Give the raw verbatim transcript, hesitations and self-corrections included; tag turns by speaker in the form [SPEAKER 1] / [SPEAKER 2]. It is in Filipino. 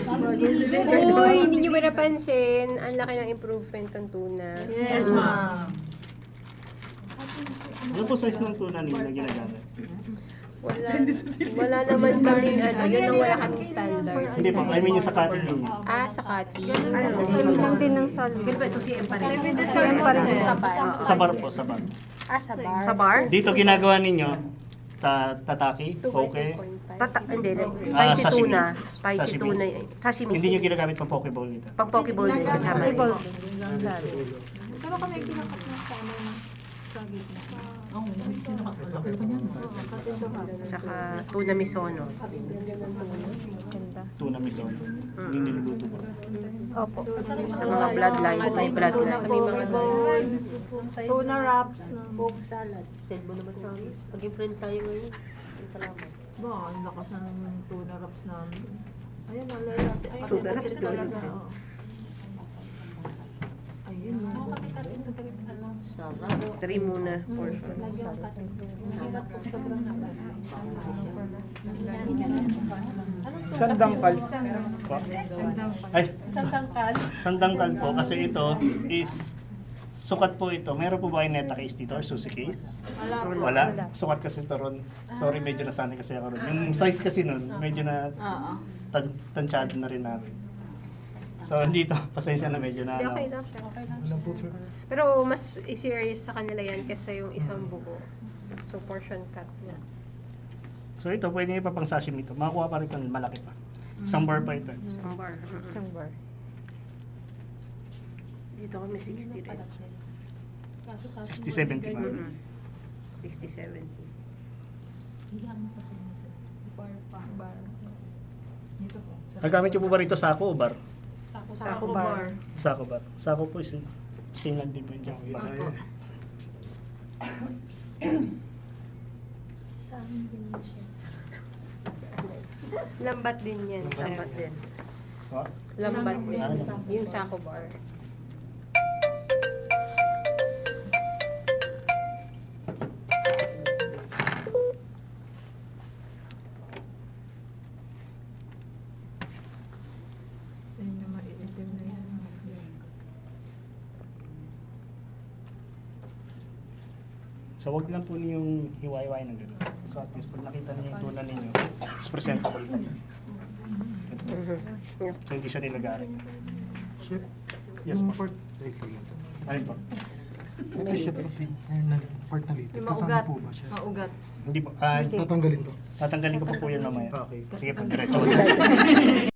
[SPEAKER 1] Uy, hindi nyo ba napansin? Ang laki ng improvement ng tuna.
[SPEAKER 2] Yes, ma'am.
[SPEAKER 3] Ano po size ng tuna ninyo na ginagamit?
[SPEAKER 1] Wala, wala naman kaming ano, yun ang wala kaming standard.
[SPEAKER 3] Hindi po, I mean yung sa cutting ninyo.
[SPEAKER 1] Ah, sa cutting.
[SPEAKER 4] Same lang din ng salmon.
[SPEAKER 2] Ganun ba ito si M pa rin?
[SPEAKER 4] Same pa rin.
[SPEAKER 3] Sa bar po, sa bar.
[SPEAKER 1] Ah, sa bar.
[SPEAKER 2] Sa bar?
[SPEAKER 3] Dito ginagawa ninyo, ta tataki, poke.
[SPEAKER 2] Tata, hindi,
[SPEAKER 3] Ah,
[SPEAKER 2] spicy
[SPEAKER 3] sashimi.
[SPEAKER 2] tuna. Spicy
[SPEAKER 3] Sashimi.
[SPEAKER 2] tuna. eh. Sashimi.
[SPEAKER 3] Hindi nyo ginagamit pang poke bowl dito.
[SPEAKER 2] Pang poke bowl din kasama.
[SPEAKER 4] Ibol.
[SPEAKER 5] Pero kami kinakat na sa ano na sa gitna.
[SPEAKER 6] Oo, may kinakat. Laki pa niyan.
[SPEAKER 2] Tsaka tuna misono.
[SPEAKER 3] Tuna miso. Hindi niluluto po.
[SPEAKER 4] Opo.
[SPEAKER 2] Sa mga bloodline, may bloodline.
[SPEAKER 1] Sa may mga
[SPEAKER 5] Tuna wraps na.
[SPEAKER 1] Coke salad.
[SPEAKER 2] Send mo naman sa amin. Maging friend tayo ngayon. Salamat.
[SPEAKER 6] Ba, ang lakas ng tuna wraps namin. Ayun, alaya. Ayun,
[SPEAKER 2] Tuna wraps,
[SPEAKER 6] ito talaga.
[SPEAKER 2] Jollibee.
[SPEAKER 6] oo. Ayun, oo.
[SPEAKER 2] Sarap. Three muna. Portion.
[SPEAKER 3] Sandangkal. Po? Ay, sandangkal. Sandangkal po kasi ito is sukat po ito. Meron po ba kayong neta case dito or susi case? Wala. Sukat kasi ito ron. Sorry, medyo nasanay kasi ako ron. Yung size kasi nun, medyo na
[SPEAKER 6] Oo.
[SPEAKER 3] tan tansyado na rin namin. So, dito, pasensya na medyo na
[SPEAKER 1] Hindi,
[SPEAKER 3] ano.
[SPEAKER 1] okay lang siya. Okay lang siya. Pero mas serious sa kanila yan kaysa yung isang buko. So, portion cut na.
[SPEAKER 3] So, ito, pwede nyo pa pang sashimi ito. Makakuha pa rin ito, malaki pa. Isang bar pa ito.
[SPEAKER 2] Ang bar.
[SPEAKER 4] Isang bar.
[SPEAKER 2] Dito kami sixty rin.
[SPEAKER 3] sixty seventy pa.
[SPEAKER 2] Mm-mm. sixty seventy.
[SPEAKER 3] Nagamit nyo po ba rito sako o bar?
[SPEAKER 4] Sako bar.
[SPEAKER 3] Sako bar. Sako po is sinag din po yung bar.
[SPEAKER 1] Lambat din yan.
[SPEAKER 2] Lambat din.
[SPEAKER 3] What?
[SPEAKER 1] Lambat din. Yung sako bar.
[SPEAKER 6] Ayun na maiitim na yan.
[SPEAKER 3] So, wag lang po niyong hiwa-hiwain ng gano'n. So, at least pag nakita niyo yung tuna ninyo, is presentable po. So, hindi siya nilagari.
[SPEAKER 7] Chef,
[SPEAKER 3] Yes
[SPEAKER 7] yung
[SPEAKER 3] po.
[SPEAKER 7] part, excellent.
[SPEAKER 3] Alin po?
[SPEAKER 7] Ito chef kasi, yung na- part na litid.
[SPEAKER 6] Yung
[SPEAKER 7] Kasama
[SPEAKER 6] maugat.
[SPEAKER 7] po ba siya?
[SPEAKER 6] Maugat.
[SPEAKER 3] Hindi po. Ah,
[SPEAKER 7] Tatanggalin po.
[SPEAKER 3] tatanggalin ko po po yan mamaya.
[SPEAKER 7] Okay.
[SPEAKER 3] Sige po, diretso.